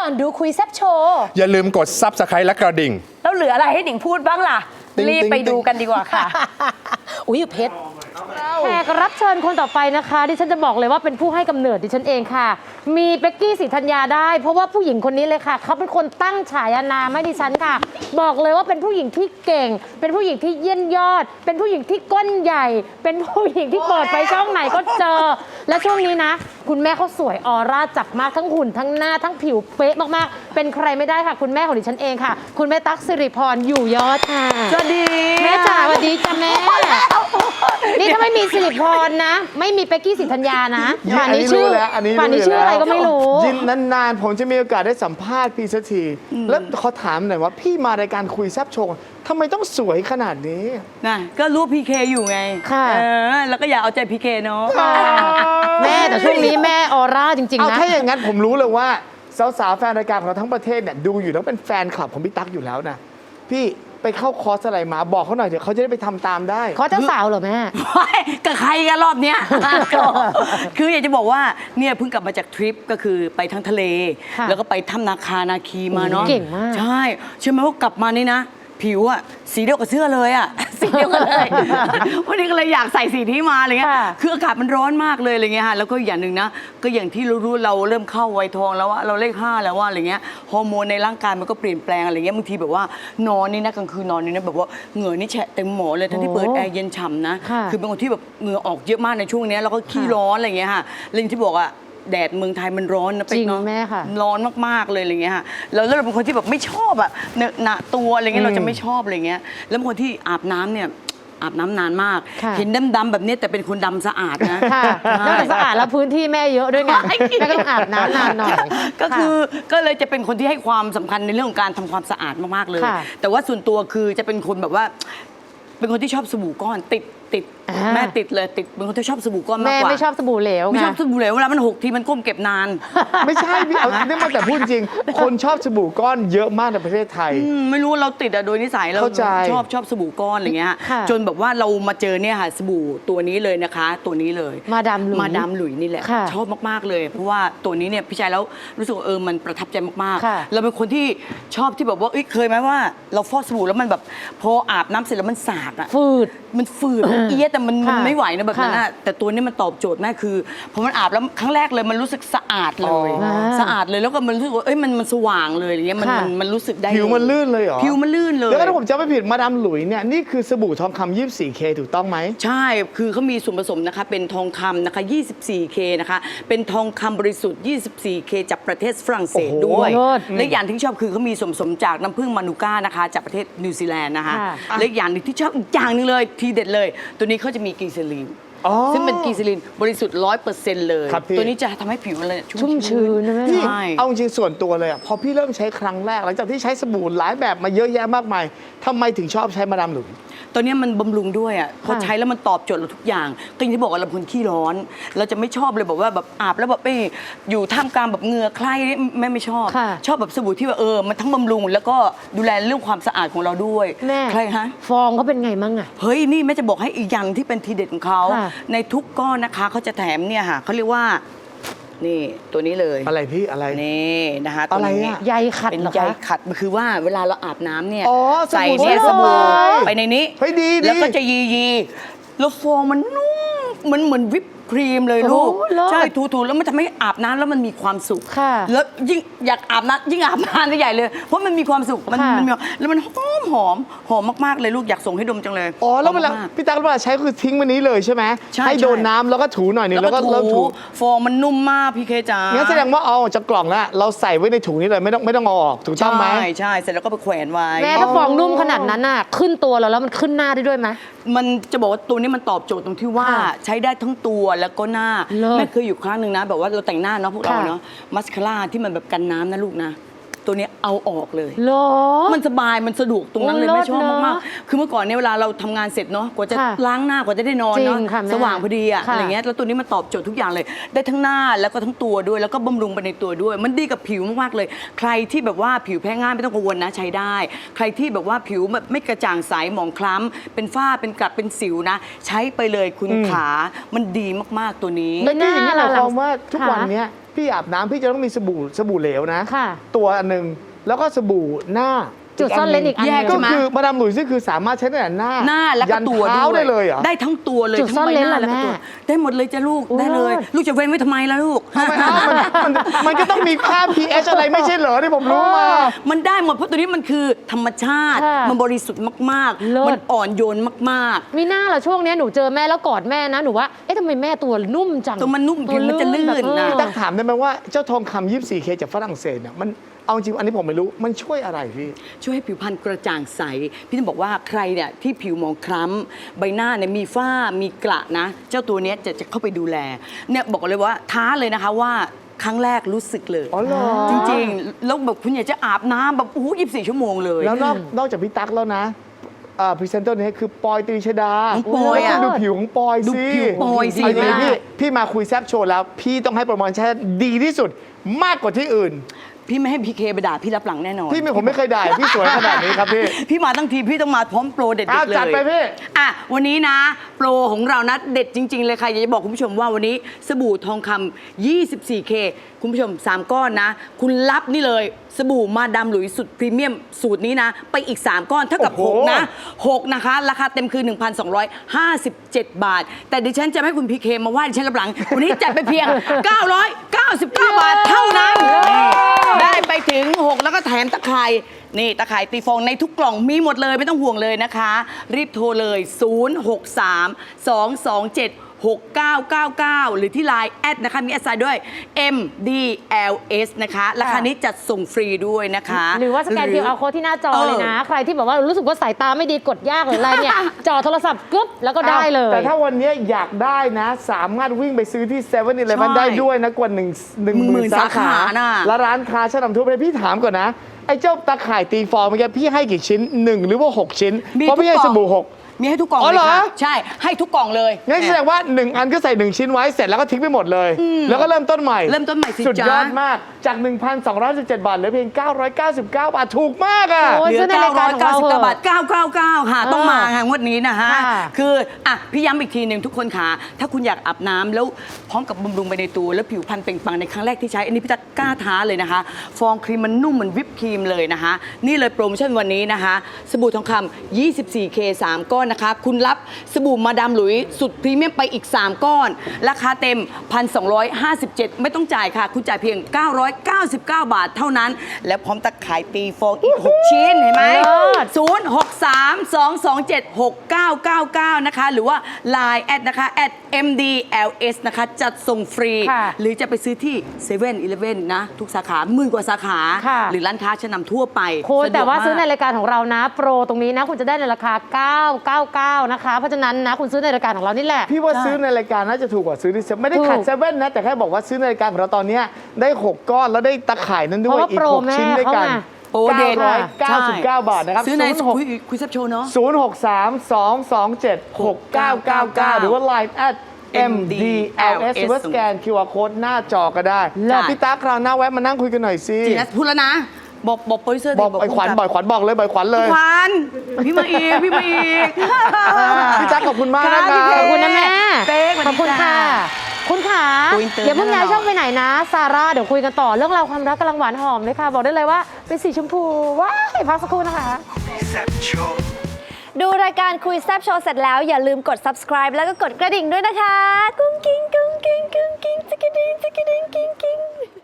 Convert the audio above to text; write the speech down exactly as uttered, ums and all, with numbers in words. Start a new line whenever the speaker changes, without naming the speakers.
อนดูคุยแซบโชว์
อย่าลืมกด ซับสไครบ์ และกระดิ่ง
แล้วเหลืออะไรให้หนิงพูดบ้างล่ะ รีบไปดูกันดีกว่าค่ะ อุ้ยเพชร
แขกรับเชิญคนต่อไปนะคะดิฉันจะบอกเลยว่าเป็นผู้ให้กำเนิดดิฉันเองค่ะ มีเป๊กกี้ศรีธัญญาได้เพราะว่าผู้หญิงคนนี้เลยค่ะเขาเป็นคนตั้งฉายานามให้ดิฉันค่ะ บอกเลยว่าเป็นผู้หญิงที่เก่ง เป็นผู้หญิงที่เยี่ยมยอด เป็นผู้หญิงที่ก้นใหญ่ เป็นผู้หญิงที่เปิดไปช่องไหนก็เจอ และช่วงนี้นะ คุณแม่เขาสวยออร่าจับมากทั้งหุ่นทั้งหน้าทั้งผิวเป๊ะมากๆเป็นใครไม่ได้ค่ะคุณแม่ของดิฉันเองค่ะคุณแม่ตั๊กสิริพรอยู่ยอดค่ะ
สวัสดี
แม่จ๋าสวัสดีจ้ะแม่นี่ถ้าไม่มีสิริพรนะไม่มีเป๊กกี้ศรีธัญญานะป่านนี้ชื่อป่านนี้ชื่ออะไรก็ไม่รู้
ยินนานๆผมจะมีโอกาสได้สัมภาษณ์พี่สักทีแล้วเขาถามหน่อยว่าพี่มารายการคุยแซบโชว์ทำไมต้องสวยขนาดนี้
นะก็รู้พีเคอยู่ไง
ค่ะ
เออแล้วก็อยากเอาใจพีเคเนาะ
แม่แต่ช่วงนี้แม่ออร่าจริงๆนะ
เอาถ้าอย่างนั้นผมรู้เลยว่าสาวๆแฟนรายการของเราทั้งประเทศเนี่ยดูอยู่แล้วเป็นแฟนคลับของพี่ตั๊กอยู่แล้วนะพี่ไปเข้าคอร์สอะไรมาบอกเขาหน่อยเดี๋ยวเขาจะได้ไปทำตามได้
คอร์สเจ้าสาวเหรอแม่
กับใครกันรอบเนี้ยคืออยากจะบอกว่าเนี่ยเพิ่งกลับมาจากทริปก็คือไปทั้งทะเลแล้วก็ไปถ้ำนาคานาคีมาเนาะ
เก่งมาก
ใช่เชื่อไหมว่ากลับมานี่นะผิวอะสีเดียวกับเสื้อเลยอะสีเดียวกันเลยวันนี้ก็เลยอยากใส่สีนี้มาอะไรเงี้ยคืออากาศมันร้อนมากเลยอะไรเงี้ยฮะแล้วก็อย่างหนึ่งนะก็อย่างที่รู้ๆเราเริ่มเข้าวัยทองแล้วว่าเราเลขห้าแล้วว่าอะไรเงี้ยฮอร์โมนในร่างกายมันก็เปลี่ยนแปลงอะไรเงี้ยบางทีแบบว่านอนนี่นะกลางคืนนอนนี่นะแบบว่าเหงื่อนี่แฉะเต็มหมอนเลยทั้งที่เปิดแอร์เย็นฉ่ำนะคือเป็นคนที่แบบเหงื่อออกเยอะมากในช่วงนี้แล้วก็ขี้ร้อนอะไรเงี้ยฮะแล้วที่บอกอะแดดเมืองไทยมันร้อนนะ
จริง
เนาะ
แม่ค่ะ
ร้อนมากๆเลยอะไรเงี้ยค่ะแล้วเราเป็นคนที่แบบไม่ชอบอะเนอะหนะตัวอะไรเงี้ยเราจะไม่ชอบอะไรเงี้ยแล้วเป็นคนที่อาบน้ำเนี่ยอาบน้ำนานมากเห็นดำๆแบบนี้แต่เป็นคนดำสะอาดนะ
ค่ะนอกจากสะอาดแล้วพื้นที่แม่เยอะด้วยไงแม่ก็ต้องอาบน้ำนานหน่อย
ก็คือก็เลยจะเป็นคนที่ให้ความสำคัญในเรื่องของการทำความสะอาดมากๆเลยแต่ว่าส่วนตัวคือจะเป็นคนแบบว่าเป็นคนที่ชอบสบู่ก้อนติดติดแม่ติดเลยติดเป็นคนที่ชอบสบู่ก้อนมากกว่า
แม่ไม่ชอบสบู่เหลว
ไม่ชอบสบู่เหลวเวลามันหกทีมันก้มเก็บนาน
ไม่ใช่พี่เอาเนี่ยมาแต่พูดจริงคนชอบสบู่ก้อนเยอะมากในประเทศไทย
ไม่รู้เราติดอะโดยนิสัยเราชอบชอบสบู่ก้อนอะไรเงี้ยจนแบบว่าเรามาเจอเนี่ยค่ะสบู่ตัวนี้เลยนะคะตัวนี้เลย
มาดามหลุย
มาดามหลุยนี่แหละชอบมากๆเลยเพราะว่าตัวนี้เนี่ยพี่ชายแล้วรู้สึกเออมันประทับใจมากๆเราเป็นคนที่ชอบที่แบบว่าเคยไหมว่าเราฟอกสบู่แล้วมันแบบพออาบน้ำเสร็จแล้วมันสากอะ
ฝืด
มันฝืดเอี้ยแต่มันมันไม่ไหวนะแบบนั้นนะแต่ตัวนี้มันตอบโจทย์แม่คือพอมันอาบแล้วครั้งแรกเลยมันรู้สึกสะอาดเลยสะอาดเลยแล้วก็มันรู้สึกว่าเอ้ยมันมันสว่างเลยอย่างเงี้ยมันมันรู้สึกได้
ผิวมันลื่นเลยเหรอ
ผิวมันลื่นเลย
แล้วถ้าผมจำไม่ผิดมาดามหลุยเนี่ยนี่คือสบู่ทองคำ ยี่สิบสี่เค ถูกต้องไหม
ใช่คือเขามีส่วนผสมนะคะเป็นทองคำนะคะ ยี่สิบสี่เค นะคะเป็นทองคำบริสุทธิ์ ยี่สิบสี่เค จากประเทศฝรั่งเศสด้วยและอย่างที่ชอบคือเขามีส่วนผสมจากน้ำผึ้งมานูก้านะคะจากประเทศนิวซีแลนด์นะคะและอย่างนึงที่ชอบอีกอย่างนึงเลยทีเด็ดเลยตัวนี้เขาจะมีกลีเซอรีนซึ่งเป็นกลีเซอรีนบริสุทธิ์ร้อยเปอร์เซ็นต์เลยตัวนี้จะทำให้ผิวมัน
ชุ่มชื้นนะ
ใช่เอาจริงส่วนตัวเลยอ่ะพอพี่เริ่มใช้ครั้งแรกหลังจากที่ใช้สบู่หลายแบบมาเยอะแยะมากมายทำไมถึงชอบใช้มาดามหลุย
ตัวนี้มันบำรุงด้วยอ่ะพอใช้แล้วมันตอบโจทย์เราทุกอย่างก็อย่างที่บอกว่าเราเป็นคนขี้ร้อนเราจะไม่ชอบเลยบอกว่าแบบอาบแล้วแบบไปอยู่ท่ามกลางแบบเหงื่อใครแม่ไม่ชอบชอบแบบสบู่ที่ว่าเออมันทั้งบำรุงแล้วก็ดูแลเรื่องความสะอาดของเราด้วย
แม่
ใครฮะ
ฟองเขาเป็นไงมั่งอ่ะ
เฮ้ยนี่แม่จะบอกให้อีกอย่างที่เป็นทีเด็ดของเขาในทุกก้อนนะคะเขาจะแถมเนี่ยค่ะเขาเรียกว่านี่ตัวนี้เลย
อะไรพี่อะไร
นี่นะคะ
อะไรอะ
ใยขัด
เป็นใยขัดมันคือว่าเวลาเราอาบน้ำเนี่ย
ใส่
เนี่ยสบู่ไปในนี้แล้วก็จะยียีแล้วฟองมันนุ่มมันเหมือนวิปครีมเลยลูกใช่ถูๆแล้วมันทำให้อาบน้ำแล้วมันมีความสุขแล้วยิ่งอยากอาบน้ำยิ่งอาบน้ำได้ใหญ่เลยเพราะมันมีความสุขมันมันมีแล้วมันหอมหอมหอมมากๆเลยลูกอยากส่งให้ดมจังเลย
อ๋อแล้วเวลาพี่ตั๊กเวลาใช้คือทิ้งวันนี้เลยใช่ไหมให้โดนน้ำแล้วก็ถูหน่อยนึงแล้วก็เริ่มถู
ฟองมันนุ่มมากพี่เคจ๋า
งั้นแสดงว่าเอาจากกล่องแล้วเราใส่ไว้ในถุงนี้เลยไม่ต้องไม่ต้องเอาออกถูกต้องไหม
ใช่ใช่เสร็จแล้วก็ไปแขวนไว้
แม่ถ้าฟองนุ่มขนาดนั้นน่ะขึ้นตัวเราแล้วมันขึ้นหน้าได้ด้วยไหม
มันจะบอกว่าตัวนี้มันตอบโจทย์ตรงที่ว่าใช้ได้ทั้งตัวแล้วก็หน้าแม่เคยอยู่ครั้งหนึ่งนะแบบว่าเราแต่งหน้าเนาะพวกเราเนาะมัสคาร่าที่มันแบบกันน้ำนะลูกนะตัวนี้เอาออกเลยมันสบายมันสะดวกตรงนั้นเลยไม่ชอบมากๆคือเมื่อก่อนเนี่ยเวลาเราทำงานเสร็จเนาะกว่าจะล้างหน้ากว่าจะได้นอนเนาะสว่างพอดีอะอะไรเงี้ยแล้วตัวนี้มันตอบโจทย์ทุกอย่างเลยได้ทั้งหน้าแล้วก็ทั้งตัวด้วยแล้วก็บำรุงไปในตัวด้วยมันดีกับผิวมากๆเลยใครที่แบบว่าผิวแพ้ง่ายไม่ต้องกังวลนะใช้ได้ใครที่แบบว่าผิวไม่กระจ่างใสหมองคล้ำเป็นฝ้าเป็นกระเป็นสิวนะใช้ไปเลยคุณขามันดีมากๆตัวนี้
แล้วนี่อย่างนี้หมายความว่าทุกวันนี้พี่อาบน้ำพี่จะต้องมีสบู่สบู่เหลวนะ
ค่ะ
ตัวอันหนึ่งแล้วก็สบู่หน้า
จุดซ่อนเลนอีกอันห
แย
นึ่
ก
ง
ก็
ใช่ไหม
คือมาดามหลุยส์นี่คือสามารถใช้ได้แต่หน้า
หน้าแล้วก็
ยัน
ตัว
เท้า
ด้วย
ได้เลยเหรอ
ได้ทั้งตัวเลย
จุด
ทั้ง
ซ่อน
ใบ
เลน
หน้า
เหรอ
แล้วก็ตัว
แม่
ได้หมดเลยจ้ะลูก
อุ๊ย
ได้เลย
เลิศ
ลูกจะเว้นไว้ทำไมล่ะลูก
ทำไมเอ้ามันมันมันก็ต้องมีค่า พี เอช อะไรไม่ใช่เหรอที่ผมรู้มา
มันได้หมดเพราะตัวนี้มันคือธรรมชาติ
ค่ะ
มันบริสุทธิ์มาก
เลิศ
ๆ มันอ่อนโยนมาก
มีหน้าเหรอช่วงเนี้ยหนูเจอแม่แล้วกอดแม่นะหนูว่าเอ๊ะทำไมแม่ตัวนุ่มจัง
ตัวมันนุ่มผิวมันจะลื่น
แบบเออ
นะ
ตักถามได้ไหมว่าเจ้าทองคำ ยี่สิบสี่เค จากฝรั่งเศสเนี่ยมันเอาจริงอันนี้ผมไม่รู้มันช่วยอะไรพี่
ช่วยให้ผิวพรรณกระจ่างใส พี่ต้องบอกว่าใครเนี่ยที่ผิวหมองคล้ำใบหน้าเนี่ยมีฝ้ามีกระนะ เจ้าตัวเนี้ยจะจะเข้าไปดูแลเนี่ยบอกเลยว่าท้าเลยนะคะว่าครั้งแรกรู้สึกเลย
อ๋อเหรอ
จริงๆแล้วแบบคุณอยากจะอาบน้ำแบบโอ้โหยี่สิบสี่ชั่วโมงเลย
แล้วนอกนอกจากพี่ตั๊กแล้วนะพรีเซนเตอร์นี้คือปอยตรีชดา
น้องปอยอะ
แล้วคุณดูผิวของปอย
ดู
สิ
ผิวปอยสิ
เาจริงๆ
แม่
พี่พี่มาคุยแซบโชว์แล้ว พี่ต้องให้โปรโมชั่นดีที่สุดมากกว่าที่อื่น
พี่ไม่ให้พีเคไปด่าพี่รับหลังแน่นอน
พี่ไม่ผมไม่เคยด่าพี่สวยขนาดนี้ครับพี่
พี่มาตั้งทีพี่ต้องมาพร้อมโปรเด็ดๆ
อ่ะ
เลย
จัดไปพี่
อ่ะวันนี้นะ โปรของเรานะเด็ดจริง ๆ เลยค่ะอยากจะบอกคุณผู้ชมว่าวันนี้สบู่ทองคำ ยี่สิบสี่เค คุณผู้ชม สาม ก้อนนะ คุณรับนี่เลยสบู่มาดามหลุยสุดพรีเมียมสูตรนี้นะ ไปอีก สาม ก้อนเท่ากับ
โอ้โห
หก นะ หก นะคะ ราคาเต็มคือ หนึ่งพันสองร้อยห้าสิบเจ็ด บาท แต่ดิฉันจะไม่ให้คุณพีเคมาว่าดิฉันรับหลัง วันนี้จัดไปเพียง เก้าร้อยเก้าสิบเก้า บาทเท่านั้นนี่ได้ไปถึง หก แล้วก็แถมตะไคร่นี่ตะไคร่ตีฟองในทุกกล่องมีหมดเลยไม่ต้องห่วงเลยนะคะ รีบโทรเลย ศูนย์ หก สาม สอง สอง เจ็ด หก เก้า เก้า เก้า หรือที่ ไลน์ แอดนะคะมีแอดไซน์ด้วย เอ็ม ดี แอล เอส นะคะ ราคานี้จัดส่งฟรีด้วยนะคะ
หรือว่าสแกน คิว อาร์ Code ที่หน้าจอเลยนะ ใครที่แบบว่ารู้สึกว่าสายตาไม่ดีกดยากหรืออะไรเนี่ย จอโทรศัพท์กึ๊บแล้วก็ได้เลย
แต่ถ้าวันนี้อยากได้นะ สามารถวิ่งไปซื้อที่เซเว่นอีเลฟเว่น
ใช่
ได้ด้วยนะกว่าหนึ่งหนึ่งหมื่น
สา
สา
ขา
ขา
น่ะ
และร้านค้าชั้นนำทั่วประเทศพี่ถามก่อนนะ ไอ้เจ้าตะข่ายตีฟองเมื่อกี้พี่ให้กี่ชิ้นหนึ่งหรือว่าหกชิ้น เพราะพี่ให้สบู่หก
มีให้ทุกกล่อง
อ๋อ
เลย
เหรอ
ค่ะใช่ให้ทุกกล่องเลย
งั้นแสดงว่าหนึ่งอันก็ใส่หนึ่งชิ้นไว้เสร็จแล้วก็ทิ้งไปหมดเลย แล้วก็เริ่มต้นใหม่
เริ่มต้นใหม่สิ
สุดยอด
จ๊ะ
มากจาก หนึ่งพันสองร้อยสิบเจ็ด บาทเหลือเพียง เก้าร้อยเก้าสิบเก้า บาทถูกมากอ่ะ
โอ้ย
เหลือ
ซื้อในรายการของเราเถอะ
เก้าร้อยเก้าสิบเก้าบาทเก้าเก้าเก้าค่ะ ต้องมาค่ะงวดนี้นะฮะ
ค่ะ
คืออ่ะพี่ย้ำอีกทีหนึ่งทุกคนค่ะถ้าคุณอยากอาบน้ำแล้วพร้อมกับบำรุงไปในตัว แล้วผิวพรรณเปล่งปลั่งในครั้งแรกที่ใช้ อันนี้พี่จะกล้าท้าเลยนะคะ ฟองครีมมันนุ่มเหมือนวิปครีมเลยนะคะ นี่เลยโปรโมชั่นวันนี้นะคะ สบู่ทองคำ ยี่สิบสี่เค สาม ก้อนนะคะ คุณรับสบู่มาดามหลุยสุดพรีเมียมไปอีก สาม ก้อน ราคาเต็ม หนึ่งพันสองร้อยห้าสิบเจ็ด ไม่ต้องจ่ายค่ะ คุณจ่ายเพียง เก้าร้อยเก้าสิบเก้า บาทเท่านั้น และพร้อมตะข่ายตีฟองอีก หก ชิ้นเห็นไหม
เลิศ
ศูนย์ หก สาม สอง สอง เจ็ด หก เก้า เก้า เก้า นะคะ หรือว่า ไลน์ แอดนะคะ แอด เอ็ม ดี แอล เอส นะคะ จัดส่งฟรี
ค่ะ
หรือจะไปซื้อที่เซเว่นอีเลฟเว่นนะ ทุกสาขาหมื่นกว่าสาขา
ค่ะ
หรือร้านค้าชั้นนำทั่วไป
คุณ
สะดก
แต่ว่าซื้อใน
มก
รายการของเรานะ โปรตรงนี้นะ คุณจะได้ในราคา เก้าร้อยเก้าสิบเก้า นะคะ เพราะฉะนั้นนะ คุณซื้อในรายการของเรานี่แหละ
พี่ว่า
ใช่
ซื้อในรายการน่าจะถูกกว่าซื้อที่เซเว่นไม่ได้
ถูก
ขัดเซเว่นนะ แต่แค่บอกว่าซื้อในรายการของเราตอนเนี้ยได้หกก้อนแล้วได้ตะข่ายนั้นด้
เพ
วย
ราะว่า
อีก
โปร
หกชิ้นด้วยกัน
แม่เขาไง
โปรเด็ด
เก้าร้อยเก้าสิบเก้า บาทนะครับ
ซื้อใน
ศูนย์หก
คุยคุยซับโชว์เนาะ
ศูนย์ หก สาม สอง สอง เจ็ด หก เก้า เก้า เก้า หรือว่า ไลน์ แอด เอ็ม ดี แอล เอส หรือว่าสแกน คิว อาร์ Code หน้าจอก็ได้
เลิศ
พี่ตาคราวหน้าแวะมานั่งคุยกันหน่อยสิ
จีนัสพูดแล้วนะ บอกบอกโปรดิวเซอร์ดิ
บอกไอ้ขวัญ
ผู้ำ
บ่อยขวัญบอกเลยบ่อยขวัญเลย
ขวัญพี่มาอีก พี่มาอีก
พี่ตั๊กขอบคุณมาก
ค่ะ
นะค
พี่
รับ
เ
ขอบคุณนะแม่
เป๊กสวัสดี
ขอบคุณค่ะ คุณขา
คุยอินเตอร์
อย่าเพิ่งย้าย
แน่นอน
ช่องไปไหนนะ ซาร่า เดี๋ยวคุยกันต่อ เรื่องราวความรักกำลังหวานหอมเลยค่ะ บอกได้เลยว่าเป็นสีชมพู ว้ายพักสักครู่นะคะ
ดูรายการคุยแซบโชว์เสร็จแล้วอย่าลืมกด subscribe แล้วก็กดกระดิ่งด้วยนะคะ กุ้งกิ้งกุ้งกิ้งกุ้งกิ้งจิกกระดิ่งจิกกระดิ่งกิ้งกิ้ง